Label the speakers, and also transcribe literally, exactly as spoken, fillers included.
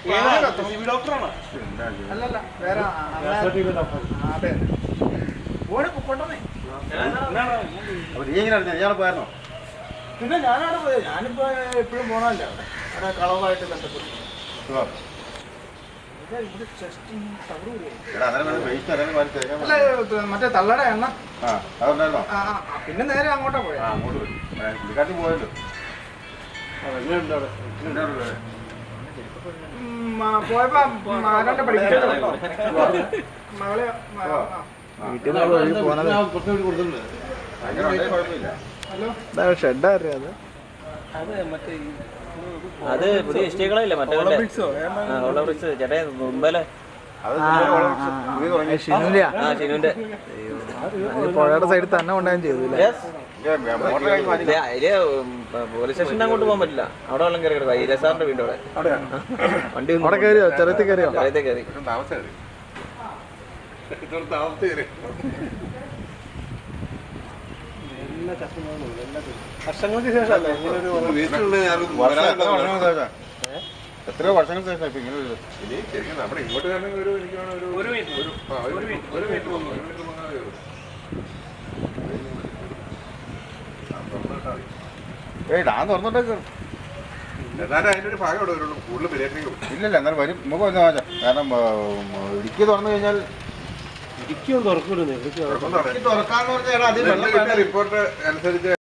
Speaker 1: ഡോക്ടറാണ്
Speaker 2: അല്ലല്ല വേറെ അതെ ഓടെ പൊക്കോട്ടെ.
Speaker 3: പോയായിരുന്നോ?
Speaker 2: പിന്നെ ഞാനവിടെ പോയത്. ഞാനിപ്പോ എപ്പോഴും പോണല്ല അവിടെ അവിടെ കളവായിട്ട് ബന്ധപ്പെട്ടു. അല്ല മറ്റേ തള്ളയുടെ എണ്ണ പിന്നെ നേരെ അങ്ങോട്ടാ പോയത്.
Speaker 3: പോയല്ലോ
Speaker 2: പോയപ്പോ ആരാണ്ട് പഠിപ്പിച്ചോ മകളെ ഹലോ ഷെഡായിരുന്നു അത്.
Speaker 4: അത് പുതിയ ഇഷ്ടികളല്ലേ മറ്റേ ചേട്ടാ മുമ്പല്ലേ ഷിനുവിന്റെ
Speaker 2: പുഴയുടെ സൈഡിൽ തന്നെ കൊണ്ടുപോകാൻ ചെയ്തു.
Speaker 4: പോലീസ് സ്റ്റേഷൻ്റെ അങ്ങോട്ട് പോകാൻ പറ്റില്ല. അവിടെ വെള്ളം കയറി കിടക്കുക. ഇരസാറിന്റെ വീട് അവിടെ വണ്ടി
Speaker 2: അവിടെ കയറിയോ? ചെറുത്തിൽ കയറിയോ?
Speaker 4: ചെറുത്തെ കയറി
Speaker 2: വർഷങ്ങൾക്ക് ശേഷം
Speaker 3: എത്രയോ വർഷങ്ങൾക്ക് ശേഷം ഇപ്പൊ ഇങ്ങനെ
Speaker 1: നമ്മുടെ ഇങ്ങോട്ട് ഒരു
Speaker 3: ഏയ് ഡാൻ തുറന്നിട്ടേക്ക്
Speaker 1: എന്നാലും അതിൻ്റെ ഒരു ഭാഗം ഇവിടെ വരുള്ളൂ. കൂടുതൽ പരിഹരിക്കും
Speaker 3: ഇല്ലല്ല എന്നാലും വരും നമുക്ക് വന്നു വാങ്ങാം. കാരണം ഇടുക്കി തുറന്നു കഴിഞ്ഞാൽ
Speaker 1: തുറക്കാന്ന് പറഞ്ഞാൽ റിപ്പോർട്ട് അനുസരിച്ച്